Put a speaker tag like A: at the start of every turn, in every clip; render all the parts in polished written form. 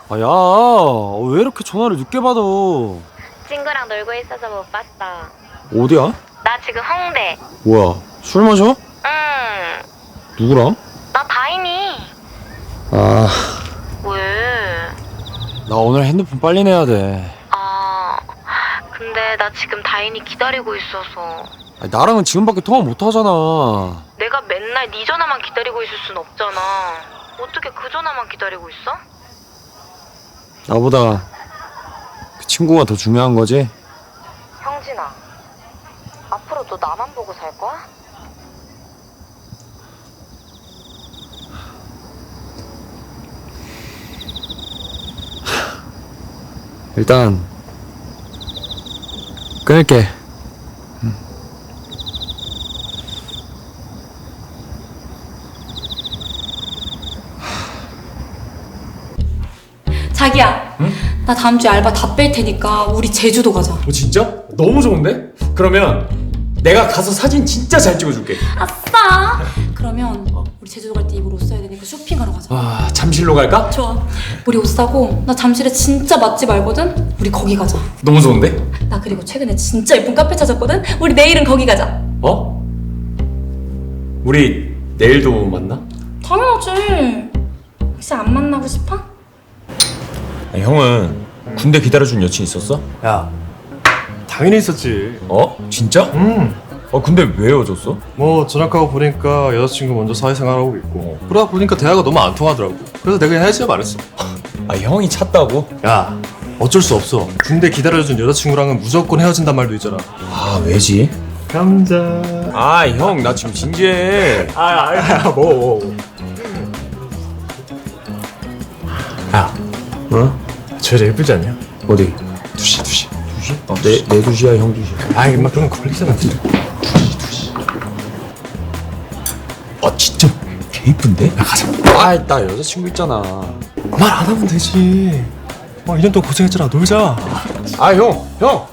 A: 아, 야, 왜 이렇게 전화를 늦게 받아?
B: 친구랑 놀고 있어서 못 봤어.
A: 어디야?
B: 나 지금 홍대.
A: 뭐야, 술 마셔?
B: 응.
A: 누구랑?
B: 나 다인이.
A: 아,
B: 왜?
A: 나 오늘 핸드폰 빨리 내야 돼.
B: 근데 나 지금 다인이 기다리고 있어서.
A: 아니, 나랑은 지금밖에 통화 못 하잖아.
B: 내가 맨날 네 전화만 기다리고 있을 순 없잖아. 어떻게 그 전화만 기다리고 있어?
A: 나보다 그 친구가 더 중요한 거지?
B: 형진아, 앞으로 너 나만 보고 살 거야?
A: 일단 끊을게.
C: 자기야,
D: 응?
C: 나 다음 주에 알바 다 뺄 테니까 우리 제주도 가자.
D: 진짜? 너무 좋은데? 그러면 내가 가서 사진 진짜 잘 찍어줄게.
C: 아싸! 그러면 우리 제주도 갈 때 입을 옷 사야 되니까 쇼핑하러 가자.
D: 아, 잠실로 갈까?
C: 좋아. 우리 옷 사고 나 잠실에 진짜 맛집 알거든? 우리 거기 가자.
D: 너무 좋은데?
C: 나 그리고 최근에 진짜 예쁜 카페 찾았거든? 우리 내일은 거기 가자.
D: 어? 우리 내일도 만나?
C: 당연하지. 혹시 안 만나고 싶어?
D: 형은 군대 기다려준 여친 있었어?
E: 야, 당연히 있었지.
D: 어? 진짜? 근데 왜 헤어졌어?
E: 뭐 전학가고 보니까 여자친구 먼저 사회생활하고 있고 그러다 보니까 대화가 너무 안 통하더라고. 그래서 내가 그냥 헤어지자 말했어.
D: 아, 형이 찼다고?
E: 야, 어쩔 수 없어. 군대 기다려준 여자친구랑은 무조건 헤어진단 말도 있잖아.
D: 아, 왜지?
E: 감자.
D: 아, 형, 나 지금 진지해.
E: 뭐. 야, 저 여자 예쁘지 않냐?
D: 어디?
E: 두시.
D: 두시? 내 두시야, 형 두시.
E: 아, 임마 그런 거 걸리잖아.
D: 아, 진짜 개 이쁜데? 야, 가자.
A: 아, 나 여자친구 있잖아.
E: 말 안 하면 되지. 2년 동안 고생했잖아. 놀자.
D: 아, 형!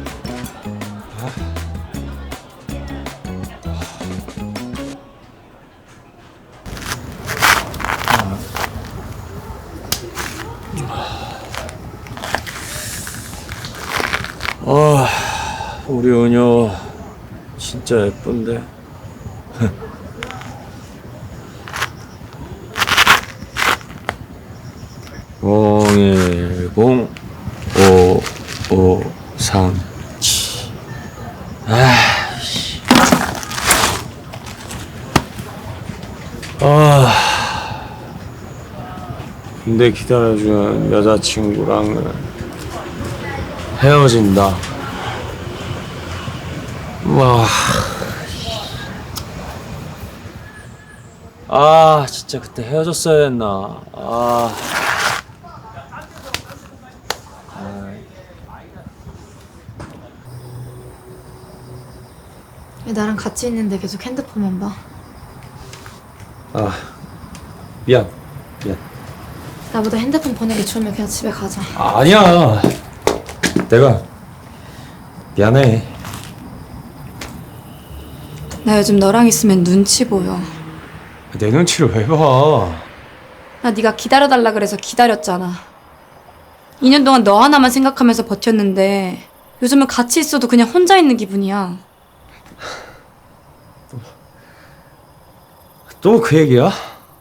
A: 우리 은효 진짜 예쁜데. (010) 5537. 근데 기다려준 여자친구랑은 헤어진다. 와. 진짜 그때 헤어졌어야 했나.
F: 왜 나랑 같이 있는데 계속 핸드폰만 봐?
A: 미안.
F: 나보다 핸드폰 보는 게 좋으면 그냥 집에 가자.
A: 아니야. 내가 미안해.
C: 나 요즘 너랑 있으면 눈치 보여.
A: 내 눈치를 왜 봐?
C: 나 네가 기다려달라 그래서 기다렸잖아. 2년 동안 너 하나만 생각하면서 버텼는데 요즘은 같이 있어도 그냥 혼자 있는 기분이야.
A: 또 그 얘기야?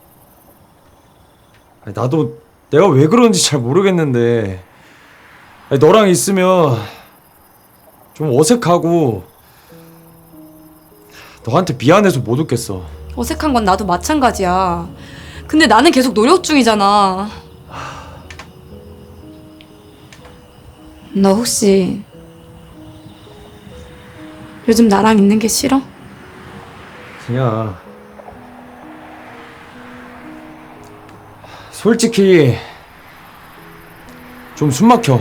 A: 나도 내가 왜 그런지 잘 모르겠는데 너랑 있으면 좀 어색하고 너한테 미안해서 못 웃겠어.
C: 어색한 건 나도 마찬가지야. 근데 나는 계속 노력 중이잖아. 너 혹시 요즘 나랑 있는 게 싫어?
A: 그냥 솔직히 좀 숨막혀.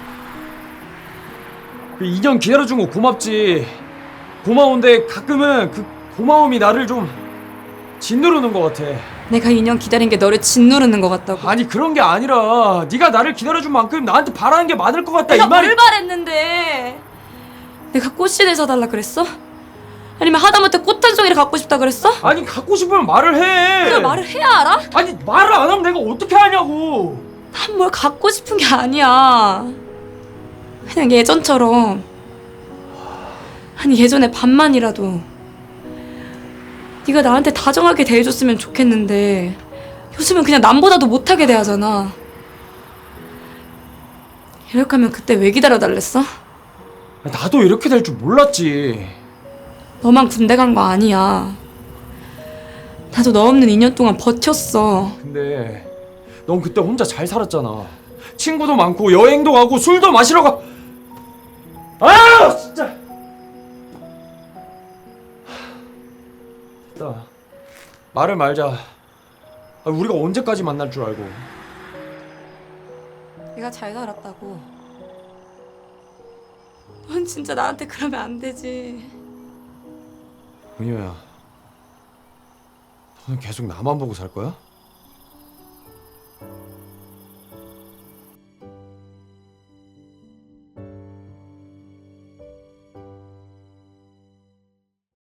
A: 2년 기다려준 거 고맙지. 고마운데 가끔은 그 고마움이 나를 좀 짓누르는 것 같아.
C: 내가 2년 기다린 게 너를 짓누르는 것 같다고.
A: 아니 그런 게 아니라 네가 나를 기다려준 만큼 나한테 바라는 게 많을 것 같다
C: 내가
A: 이 말이.
C: 뭘 바랬는데? 내가 꽃신을 사달라 그랬어? 아니면 하다못해 꽃 한 송이를 갖고 싶다 그랬어?
A: 아니 갖고 싶으면 말을 해.
C: 그걸 말을 해야 알아?
A: 아니 말을 안 하면 내가 어떻게 하냐고.
C: 난 뭘 갖고 싶은 게 아니야. 그냥 예전처럼. 아니 예전에 반만이라도 네가 나한테 다정하게 대해줬으면 좋겠는데 요즘은 그냥 남보다도 못하게 대하잖아. 이렇게 하면 그때 왜 기다려달랬어?
A: 나도 이렇게 될 줄 몰랐지.
C: 너만 군대 간 거 아니야. 나도 너 없는 2년 동안 버텼어.
A: 근데 넌 그때 혼자 잘 살았잖아. 친구도 많고 여행도 가고 술도 마시러 가. 아 진짜. 됐다. 말을 말자. 우리가 언제까지 만날 줄 알고.
C: 내가 잘 살았다고. 넌 진짜 나한테 그러면 안 되지.
A: 은효야, 너는 계속 나만 보고 살 거야?